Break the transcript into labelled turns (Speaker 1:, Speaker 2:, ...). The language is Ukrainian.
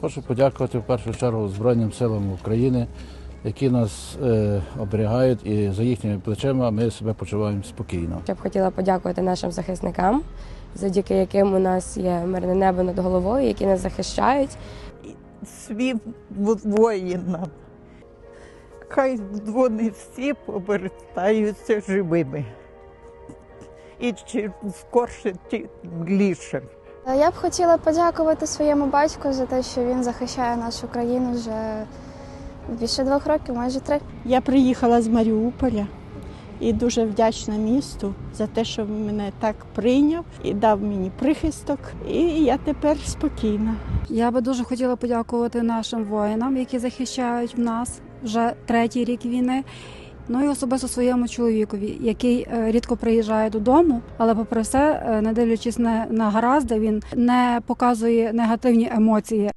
Speaker 1: Хочу подякувати в першу чергу Збройним силам України, які нас оберігають, і за їхніми плечима ми себе почуваємо спокійно.
Speaker 2: Я б хотіла подякувати нашим захисникам, завдяки яким у нас є мирне небо над головою, які нас захищають.
Speaker 3: Свій воїнам. Хай вони всі повертаються живими. І чим скорше, тим більше.
Speaker 4: Я б хотіла подякувати своєму батьку за те, що він захищає нашу країну вже більше 2 років, майже 3.
Speaker 5: Я приїхала з Маріуполя і дуже вдячна місту за те, що мене так прийняв і дав мені прихисток. І я тепер спокійна.
Speaker 6: Я би дуже хотіла подякувати нашим воїнам, які захищають нас вже 3-й рік війни. Ну і особисто своєму чоловікові, який рідко приїжджає додому, але попри все, не дивлячись на гаразди, він не показує негативні емоції.